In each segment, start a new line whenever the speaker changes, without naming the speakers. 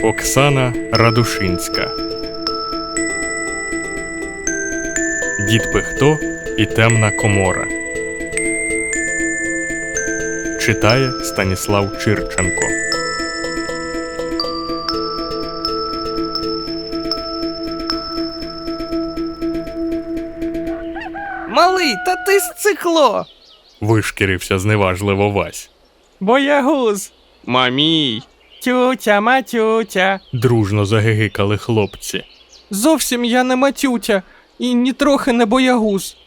Оксана Радушинська. Дід Пихто і темна комора. Читає Станіслав Чирченко.
Малий, та ти сцикло!
Вишкірився зневажливо Вась.
Боягуз! Мамій! Тютя, матютя!
Дружно загигикали хлопці.
Зовсім я не матютя і нітрохи не боягуз.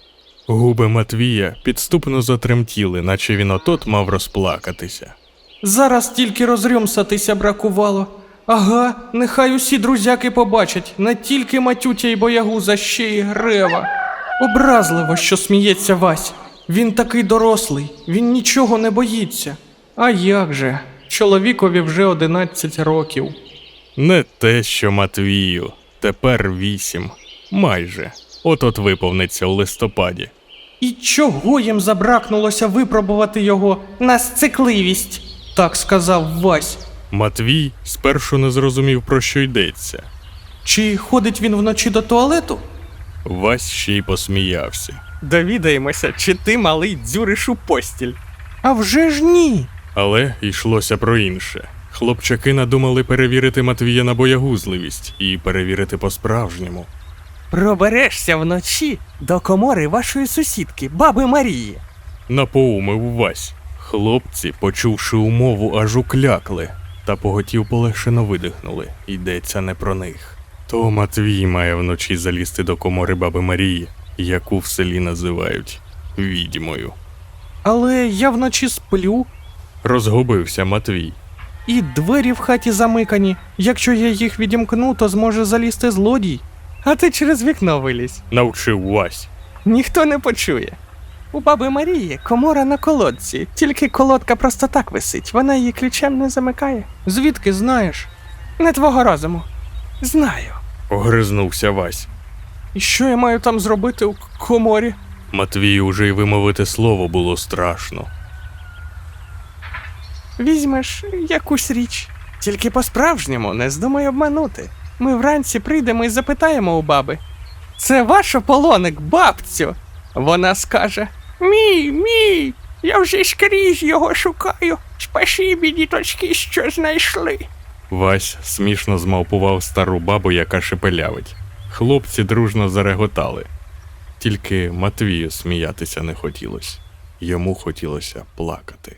Губи Матвія підступно затремтіли, наче він отот мав розплакатися.
Зараз тільки розрюмсатися бракувало. Ага, нехай усі друзяки побачать, не тільки матютя і боягуз, а ще й Грева. Образливо, що сміється Вась. Він такий дорослий, він нічого не боїться. А як же? Чоловікові вже 11 років.
Не те, що Матвію. Тепер 8. Майже. От-от виповниться у листопаді.
І чого їм забракнулося випробувати його на сцикливість? Так сказав Вась.
Матвій спершу не зрозумів, про що йдеться.
Чи ходить він вночі до туалету?
Вась ще й посміявся.
Довідаємося, чи ти, малий, дзюриш у постіль. А вже ж ні.
Але йшлося про інше. Хлопчаки надумали перевірити Матвія на боягузливість і перевірити по-справжньому.
Проберешся вночі до комори вашої сусідки, баби Марії.
Напоумив Вась. Хлопці, почувши умову, аж уклякли, та поготів полегшено видихнули. Йдеться не про них. То Матвій має вночі залізти до комори баби Марії, яку в селі називають відьмою.
Але я вночі сплю,
Розгубився Матвій.
і двері в хаті замикані. Якщо я їх відімкну, то зможе залізти злодій. А ти через вікно вилізь.
Навчив Вась.
Ніхто не почує. У баби Марії комора на колодці, тільки колодка просто так висить, вона її ключем не замикає. Звідки знаєш? Не твого розуму. Знаю.
Огризнувся Вась.
І що я маю там зробити у коморі?
Матвію уже й вимовити слово було страшно.
Візьмеш якусь річ. Тільки по-справжньому, не здумай обманути. Ми вранці прийдемо і запитаємо у баби. Це ваш ополоник, бабцю? Вона скаже: Мій, я вже скрізь його шукаю. Спасибі, діточки, що знайшли.
Вась смішно змавпував стару бабу, яка шепелявить. Хлопці дружно зареготали. Тільки Матвію сміятися не хотілося. Йому хотілося плакати.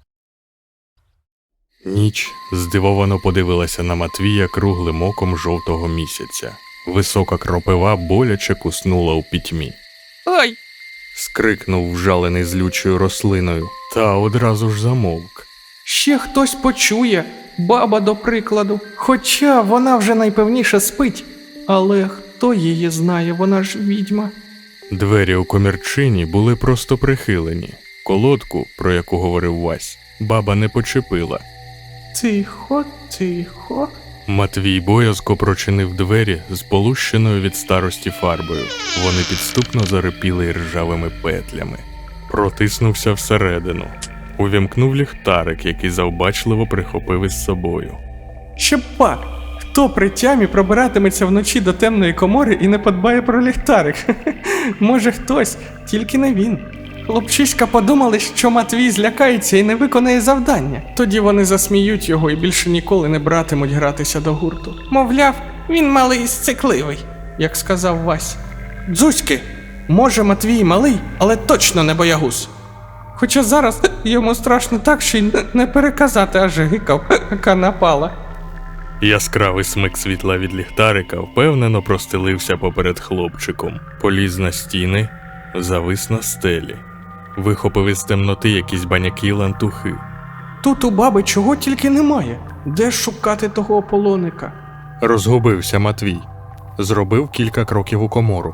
Ніч здивовано подивилася на Матвія круглим оком жовтого місяця. Висока кропива боляче куснула у пітьмі.
Ой!
Скрикнув вжалений злючою рослиною, та одразу ж замовк.
Ще хтось почує, баба до прикладу. Хоча вона вже найпевніше спить. Але хто її знає, вона ж відьма.
Двері у комірчині були просто прихилені. Колодку, про яку говорив Вась, баба не почепила.
Тихо, тихо.
Матвій боязко прочинив двері з полущеною від старості фарбою. Вони підступно зарипіли ржавими петлями. Протиснувся всередину. Увімкнув ліхтарик, який завбачливо прихопив із собою.
Ще пак, хто при тямі пробиратиметься вночі до темної комори і не подбає про ліхтарик? Може хтось, тільки не він. Хлопчиська подумали, що Матвій злякається і не виконає завдання. Тоді вони засміють його і більше ніколи не братимуть гратися до гурту. Мовляв, він малий і сцикливий, як сказав Вась. Дзузьки, може Матвій малий, але точно не боягуз. Хоча зараз йому страшно так, що й не переказати, аж гикав, яка напала.
Яскравий смик світла від ліхтарика впевнено простелився поперед хлопчиком. Поліз на стіни, завис на стелі. Вихопив із темноти якісь баняки й лантухи.
Тут у баби чого тільки немає. Де шукати того ополоника?
Розгубився Матвій. Зробив кілька кроків у комору.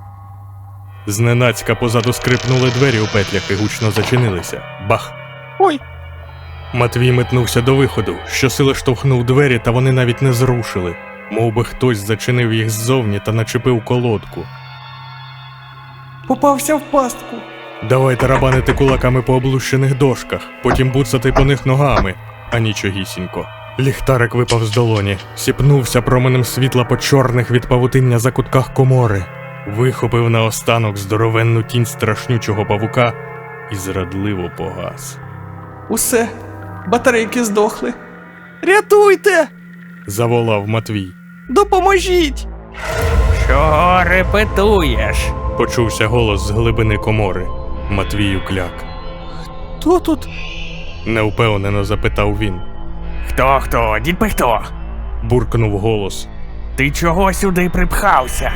Зненацька позаду скрипнули двері у петлях і гучно зачинилися. Бах!
Ой!
Матвій метнувся до виходу, щосили штовхнув двері, та вони навіть не зрушили. Мов би хтось зачинив їх ззовні та начепив колодку.
Попався в пастку.
Давай тарабанити кулаками по облущених дошках, потім буцати по них ногами, а нічогісінько. Ліхтарик випав з долоні, сіпнувся променем світла по чорних від павутиння закутках комори, вихопив наостанок здоровенну тінь страшнючого павука і зрадливо погас.
Усе, батарейки здохли. Рятуйте!
Заволав Матвій.
Допоможіть!
Чого репетуєш?
Почувся голос з глибини комори. Матвій укляк.
Хто тут?
Невпевнено запитав він.
Хто? Дід Пихто?
Буркнув голос.
Ти чого сюди припхався?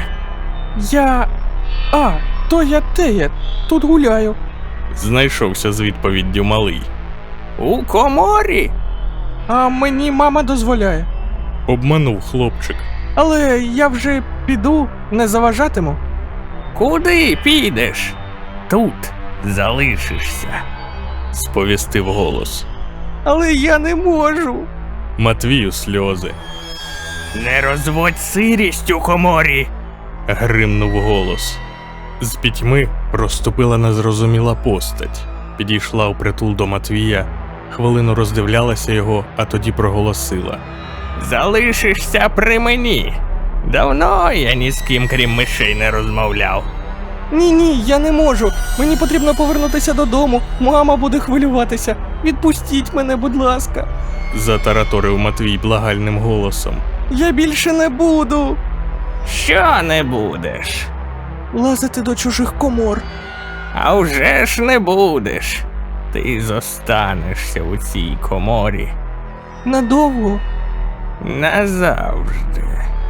То я тут гуляю.
Знайшовся з відповіддю малий.
У коморі?
А мені мама дозволяє.
Обманув хлопчик.
Але я вже піду, не заважатиму.
Куди підеш? Тут залишишся.
Сповістив голос.
Але я не можу.
Матвію сльози.
Не розводь сирість у коморі.
Гримнув голос. З пітьми проступила незрозуміла постать. Підійшла впритул до Матвія, хвилину роздивлялася його, а тоді проголосила.
Залишишся при мені. Давно я ні з ким, крім мишей, не розмовляв.
Ні, я не можу. Мені потрібно повернутися додому. Мама буде хвилюватися. Відпустіть мене, будь ласка.
Затараторив Матвій благальним голосом.
Я більше не буду
Що не будеш?
лазити до чужих комор.
А вже ж не будеш. Ти зостанешся у цій коморі
Надовго.
назавжди.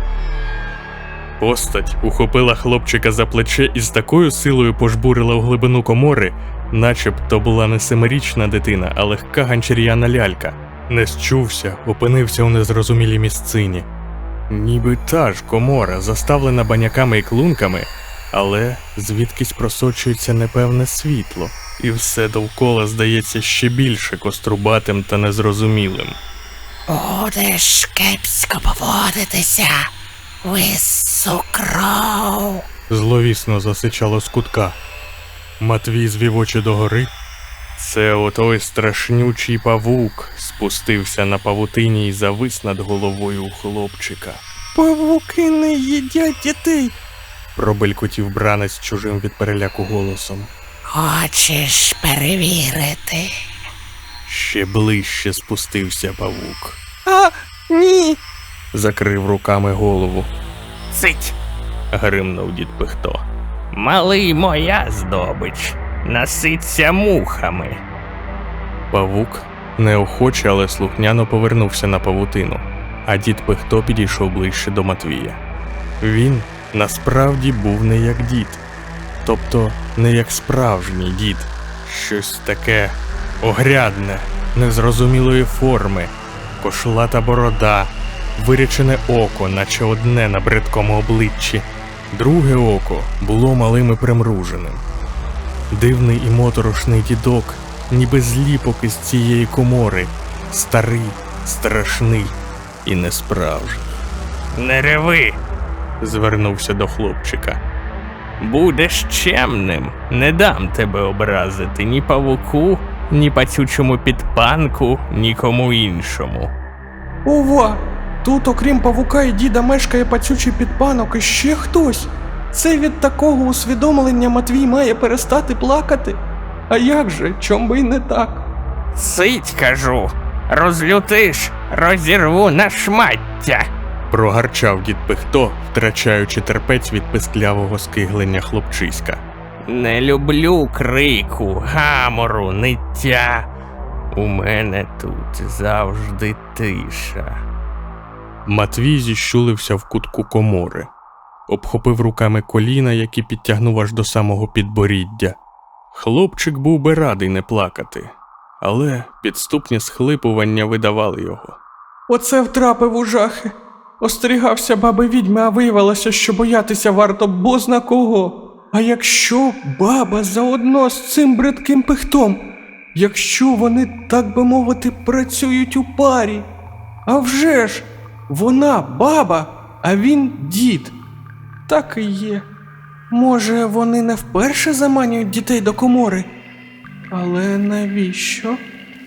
Постать ухопила хлопчика за плече і з такою силою пожбурила в глибину комори, начебто була не семирічна дитина, а легка ганчар'яна лялька. Не счувся, опинився у незрозумілій місцині. Ніби та ж комора, заставлена баняками і клунками, але звідкись просочується непевне світло, і все довкола здається ще більше кострубатим та незрозумілим.
Будеш кепсько поводитися, вису кров.
Зловісно засичало з кутка. Матвій звів очі догори. Це отой страшнючий павук спустився на павутині і завис над головою у хлопчика.
Павуки не їдять дітей.
Пробелькотів бранець чужим від переляку голосом.
Хочеш перевірити?
Ще ближче спустився павук.
Ні.
Закрив руками голову.
Цить!
Гримнув дід Пихто.
Малий моя здобич. Наситься мухами.
Павук неохоче, але слухняно повернувся на павутину, а дід Пихто підійшов ближче до Матвія. Він насправді був не як дід, тобто не як справжній дід. Щось таке огрядне, незрозумілої форми, кошлата борода, вирячене око, наче одне на бридкому обличчі. Друге око було малим і примруженим. Дивний і моторошний дідок, ніби зліпок із цієї комори, старий, страшний і несправжній.
Не реви.
Звернувся до хлопчика.
Будеш чемним. Не дам тебе образити ні павуку, ні пацючому підпанку, нікому іншому.
Ова! Тут, окрім павука і діда, мешкає пацючий підпанок і ще хтось. Це від такого усвідомлення Матвій має перестати плакати? А як же, чом би й не так?
Цить, кажу. Розлютиш, розірву на шмаття.
Прогарчав дід Пихто, втрачаючи терпець від писклявого скиглення хлопчиська.
Не люблю крику, гамору, ниття. У мене тут завжди тиша.
Матвій зіщулився в кутку комори, обхопив руками коліна, які підтягнув аж до самого підборіддя. Хлопчик був би радий не плакати, але підступні схлипування видавали його.
Оце втрапив у жахи. Остерігався баби відьми, а виявилося, що боятися варто бозна кого. А якщо баба заодно з цим бридким пихтом? Якщо вони, так би мовити, працюють у парі? А вже ж, вона баба, а він дід. Так і є. Може, вони не вперше заманюють дітей до комори? Але навіщо?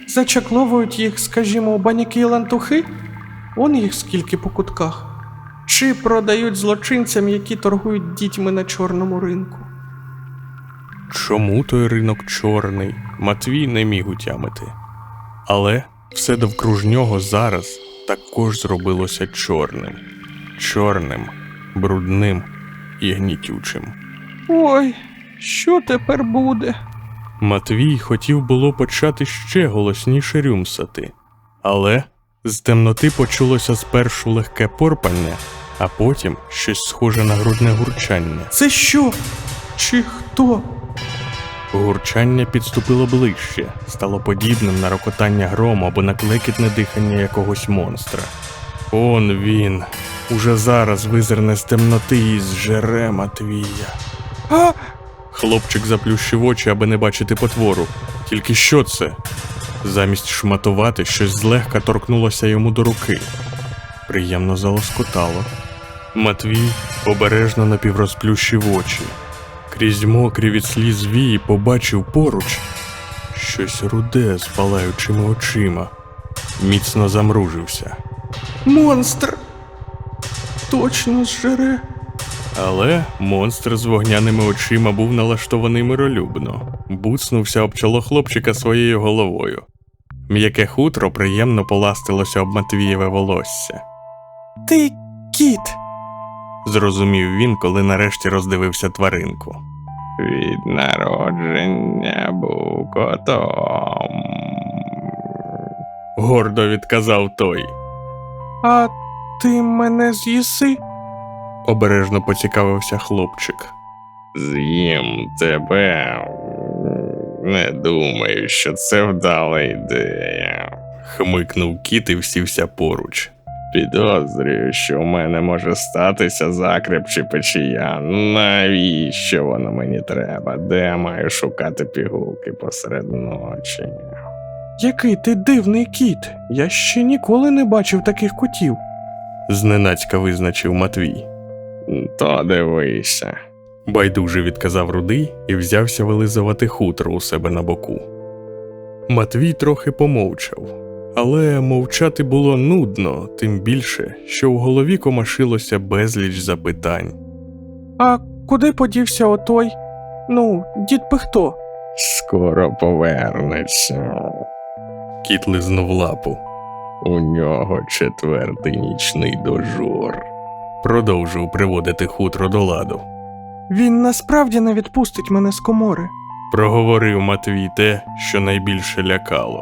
Зачакловують їх, скажімо, у баняки і лантухи? Он їх скільки по кутках. Чи продають злочинцям, які торгують дітьми на чорному ринку?
Чому той ринок чорний, Матвій не міг утямити. Але все довкруж нього зараз також зробилося чорним. Чорним, брудним і гнітючим.
Ой, що тепер буде?
Матвій хотів було почати ще голосніше рюмсати. Але з темноти почулося спершу легке порпання, а потім щось схоже на грудне гурчання.
Це що? Чи хто?
Гурчання підступило ближче, стало подібним на рокотання грому або на клекітне дихання якогось монстра. Он він, уже зараз визирне з темноти і зжере Матвія.
А!
Хлопчик заплющив очі, аби не бачити потвору. Тільки що це? Замість шматувати, щось злегка торкнулося йому до руки. Приємно залоскотало. Матвій обережно напіврозплющив очі. Крізь мокрі від сліз вії побачив поруч щось руде з палаючими очима. Міцно замружився.
Монстр! Точно зжере.
Але монстр з вогняними очима був налаштований миролюбно. Буцнувся об чоло хлопчика своєю головою. М'яке хутро приємно поластилося об Матвієве волосся.
Ти кіт!
Зрозумів він, коли нарешті роздивився тваринку.
Від народження був котом.
Гордо відказав той.
А ти мене з'їси?
Обережно поцікавився хлопчик.
З'їм тебе. Не думаю, що це вдала ідея.
Хмикнув кіт і всівся поруч.
Підозрюю, що в мене може статися закреп чи печія. Навіщо воно мені треба? Де я маю шукати пігулки посеред ночі?
Який ти дивний кіт! Я ще ніколи не бачив таких котів.
Зненацька визначив Матвій.
То дивися.
Байдуже відказав Рудий і взявся вилизувати хутро у себе на боку. Матвій трохи помовчав. Але мовчати було нудно, тим більше, що в голові комашилося безліч запитань.
А куди подівся отой? Ну, дід Пихто?
Скоро повернеться.
Кіт лизнув лапу.
У нього 4-й нічний дожор.
Продовжив приводити хутро до ладу.
Він насправді не відпустить мене з комори.
Проговорив Матвій те, що найбільше лякало.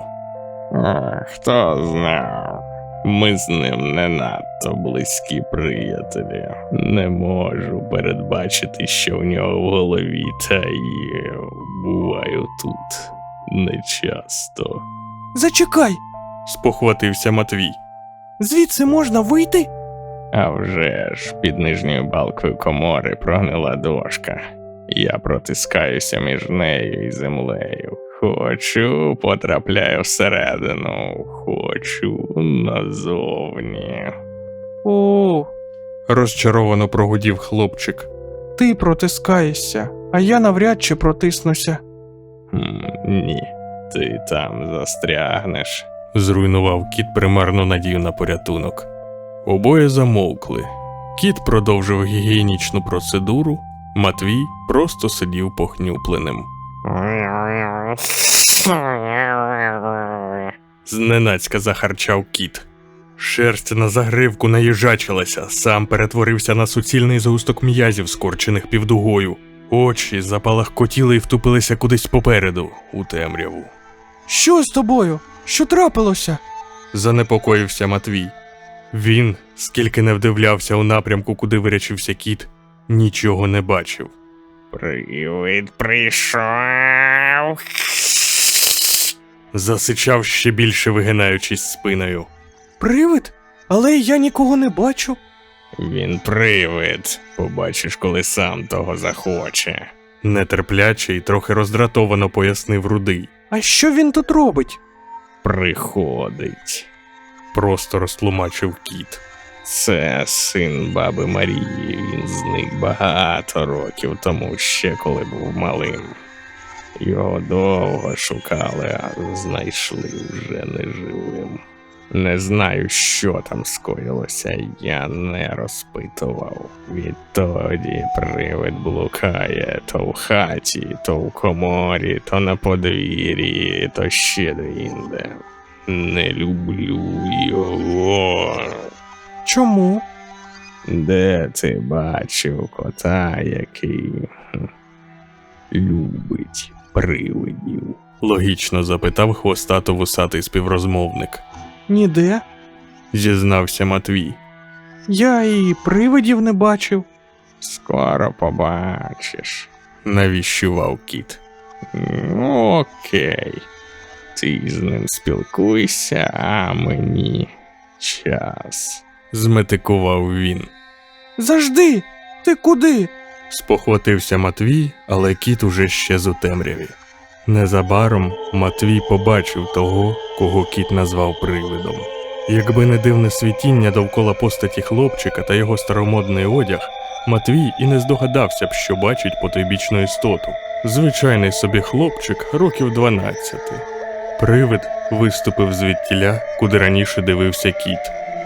Хто знав? Ми з ним не надто близькі приятелі. Не можу передбачити, що в нього в голові, та й буваю тут нечасто.
Зачекай!
Спохватився Матвій.
Звідси можна вийти?
А вже ж, під нижньою балкою комори прогнила дошка. Я протискаюся між нею і землею. Хочу, потрапляю всередину. Хочу назовні.
О,
Розчаровано прогудів хлопчик.
ти протискаєшся, а я навряд чи протиснуся.
Ні, ти там застрягнеш.
Зруйнував кіт примарну надію на порятунок. Обоє замовкли. Кіт продовжив гігієнічну процедуру, Матвій просто сидів похнюпленим. Зненацька захарчав кіт. Шерсть на загривку наїжачилася, сам перетворився на суцільний згусток м'язів, скорчених півдугою. Очі запалахкотіли і втупилися кудись попереду, у темряву.
Що з тобою? Що трапилося?
Занепокоївся Матвій. Він, скільки не вдивлявся у напрямку, куди вирячився кіт, нічого не бачив.
Привид прийшов.
Засичав ще більше, вигинаючись спиною.
Привид? Але я нікого не бачу.
Він привид. Побачиш, коли сам того захоче.
Нетерпляче і трохи роздратовано пояснив Рудий.
А що він тут робить?
Приходить.
Просто розтлумачив кіт.
Це син баби Марії. Він зник багато років тому, ще коли був малим. Його довго шукали, а знайшли вже неживим. Не знаю, що там скоїлося, я не розпитував. Відтоді привид блукає то в хаті, то в коморі, то на подвір'ї, то ще де-інде. Не люблю його.
Чому?
Де ти бачив кота, який любить привидів?
Логічно запитав хвостато-вусатий співрозмовник.
Ніде.
Зізнався Матвій.
Я і привидів не бачив.
Скоро побачиш.
Навіщував кіт.
Ну, окей. Ти з ним спілкуйся, а мені час.
Зметикував він.
Завжди! Ти куди?
Спохватився Матвій, але кіт уже щез у темряві. Незабаром Матвій побачив того, кого кіт назвав привидом. Якби не дивне світіння довкола постаті хлопчика та його старомодний одяг, Матвій і не здогадався б, що бачить потойбічну істоту. Звичайний собі хлопчик років 12. Привид виступив звідтіля, куди раніше дивився кіт.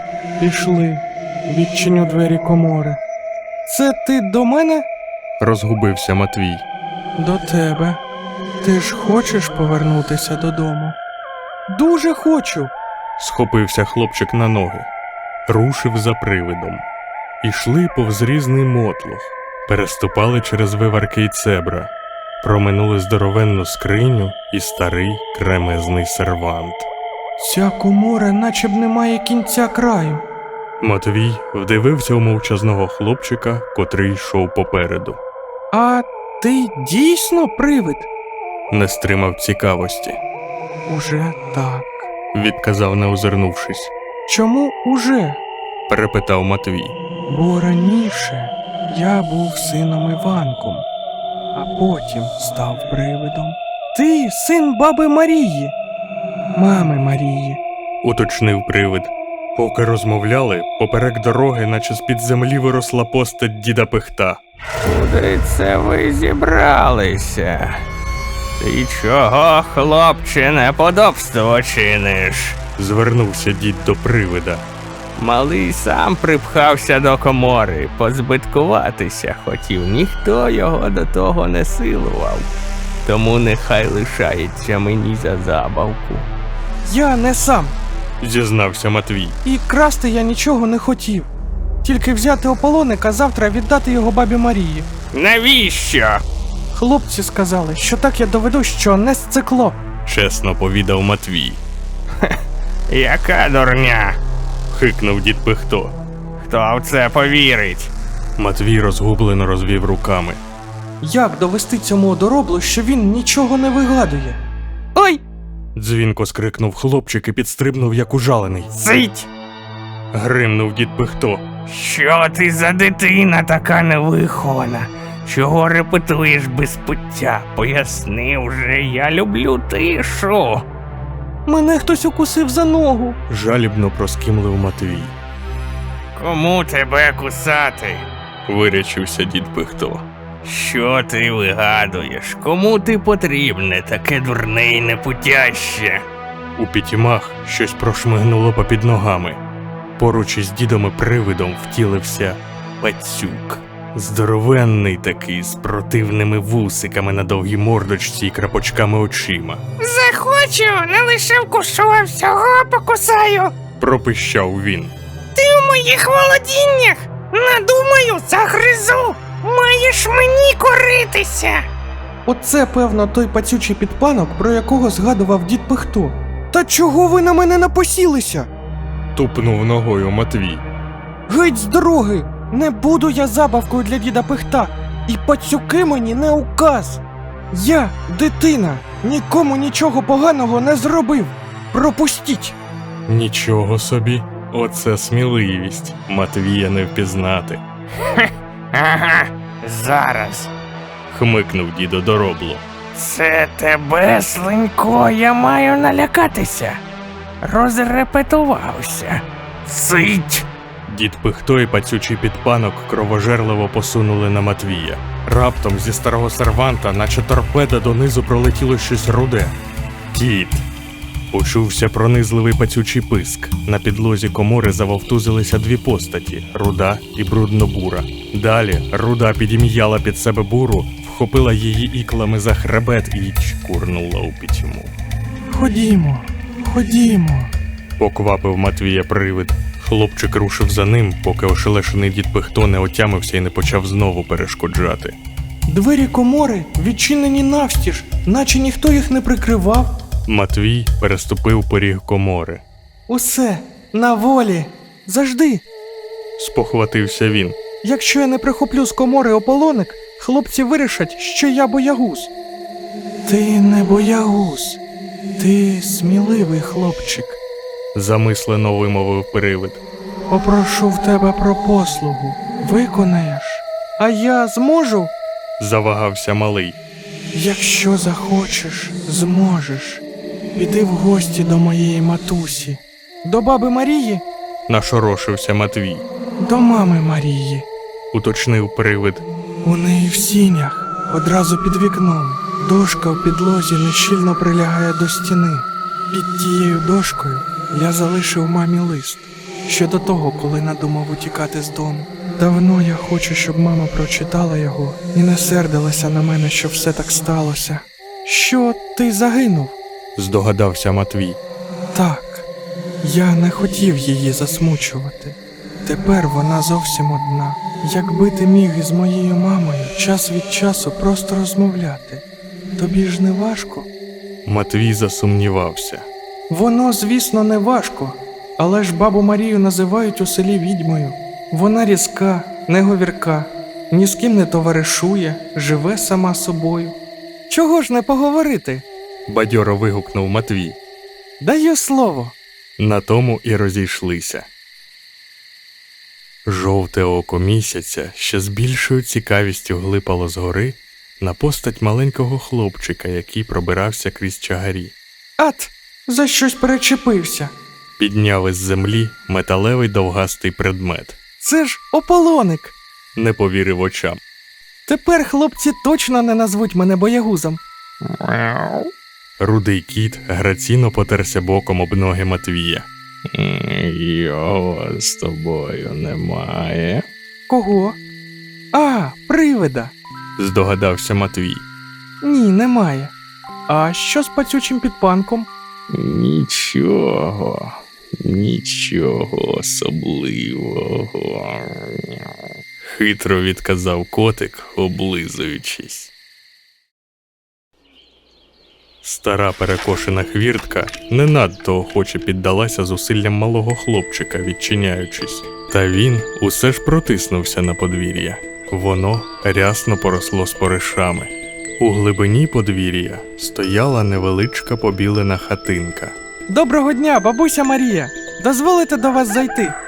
Пішли. Відчиню двері комори. Це ти до мене?
Розгубився Матвій.
До тебе. Ти ж хочеш повернутися додому? Дуже хочу.
Схопився хлопчик на ноги. Рушив за привидом. Ішли повз різний мотлох. Переступали через виварки й цебра. Проминули здоровенну скриню і старий кремезний сервант.
Ця комора наче б не має кінця краю.
Матвій вдивився у мовчазного хлопчика, котрий йшов попереду.
А ти дійсно привид?
Не стримав цікавості.
Уже так.
Відказав, не озирнувшись.
Чому уже?
Перепитав Матвій.
Бо раніше я був сином Іванком, а потім став привидом. Ти син баби Марії, мами Марії.
Уточнив привид. Поки розмовляли, поперек дороги, наче з-під землі виросла постать діда Пихта.
Куди це ви зібралися? Ти чого, хлопче, неподобство чиниш?
Звернувся дід до привида.
Малий сам припхався до комори, позбиткуватися хотів, ніхто його до того не силував. Тому нехай лишається мені за забавку.
Я не сам,
Зізнався Матвій.
і красти я нічого не хотів. Тільки взяти ополоник, а завтра віддати його бабі Марії.
Навіщо?
Хлопці сказали, що так я доведу, що не сцикло.
Чесно повідав Матвій.
Яка дурня?
Хикнув дід Пихто.
Хто в це повірить?
Матвій розгублено розвів руками.
Як довести цьому одороблу, що він нічого не вигадує? Ой!
Дзвінко скрикнув хлопчик і підстрибнув, як ужалений.
Цить!
Гримнув дід Пихто.
Що ти за дитина така невихована? Чого репетуєш без пуття? Поясни вже, я люблю тишу.
Мене хтось укусив за ногу.
Жалібно проскімлив Матвій.
Кому тебе кусати?
Вирячився дід Пихто.
Що ти вигадуєш? Кому ти потрібне таке дурне й непутяще?
У пітьмах щось прошмигнуло попід ногами. Поруч із дідом і привидом втілився пацюк. Здоровенний такий, з противними вусиками на довгій мордочці і крапочками очима.
Захочу, не лише вкушу, а всього покусаю.
Пропищав він.
Ти у моїх володіннях. Надумаю, загризу. Маєш мені коритися.
Оце, певно, той пацючий підпанок, про якого згадував дід Пихто. Та чого ви на мене напосілися?
Тупнув ногою Матвій.
Геть з дороги! Не буду я забавкою для діда Пихта. І пацюки мені не указ. Я, дитина, нікому нічого поганого не зробив. Пропустіть!
Нічого собі, оце сміливість. Матвія не впізнати.
Ага, зараз.
Хмикнув дідо доробло.
Це тебе, слинько, я маю налякатися. Розрепетувався. Цить!
Дід Пихто і пацючий підпанок кровожерливо посунули на Матвія. Раптом зі старого серванта, наче торпеда, донизу пролетіло щось руде. «Кіт!» Почувся пронизливий пацючий писк. На підлозі комори завовтузилися дві постаті – Руда і Бруднобура. Далі Руда підім'яла під себе буру, вхопила її іклами за хребет і чкурнула у пітьму.
Ходімо, ходімо.
Поквапив Матвія привид. Хлопчик рушив за ним, поки ошелешений дід Пихто не отямився і не почав знову перешкоджати.
Двері комори відчинені навстіж, наче ніхто їх не прикривав.
Матвій переступив поріг комори.
Усе, на волі. Завжди.
Спохватився він.
Якщо я не прихоплю з комори ополоник, хлопці вирішать, що я боягуз. Ти не боягуз. Ти сміливий хлопчик.
Замислено вимовив привид.
Попрошу в тебе про послугу. Виконаєш. А я зможу?
Завагався малий.
Якщо захочеш, зможеш. Піди в гості до моєї матусі. До баби Марії?
Нашорошився Матвій.
До мами Марії.
Уточнив привид.
У неї в сінях, одразу під вікном. Дошка в підлозі нещільно прилягає до стіни. Під тією дошкою я залишив мамі лист. Ще до того, коли надумав утікати з дому. Давно я хочу, щоб мама прочитала його і не сердилася на мене, що все так сталося. Що, ти загинув?
Здогадався Матвій.
Так, я не хотів її засмучувати. Тепер вона зовсім одна. Якби ти міг із моєю мамою час від часу просто розмовляти. Тобі ж не важко?
Матвій засумнівався.
Воно, звісно, не важко, але ж бабу Марію називають у селі відьмою. Вона різка, неговірка, ні з ким не товаришує, живе сама собою. Чого ж не поговорити?
Бадьоро вигукнув Матвій.
Даю слово.
На тому і розійшлися. Жовте око місяця ще з більшою цікавістю глипало згори на постать маленького хлопчика, який пробирався крізь чагарі.
Ат, за щось перечепився.
Підняв із землі металевий довгастий предмет.
Це ж ополоник.
Не повірив очам.
Тепер хлопці точно не назвуть мене боягузом.
Рудий кіт граційно потерся боком об ноги Матвія.
Його з тобою немає.
Кого? А, привида.
Здогадався Матвій.
Ні, немає. А що з пацючим підпанком?
Нічого особливого.
Хитро відказав котик, облизуючись. Стара перекошена хвіртка не надто охоче піддалася зусиллям малого хлопчика, відчиняючись. Та він усе ж протиснувся на подвір'я. Воно рясно поросло споришами. У глибині подвір'я стояла невеличка побілена хатинка.
Доброго дня, бабуся Марія. Дозволите до вас зайти?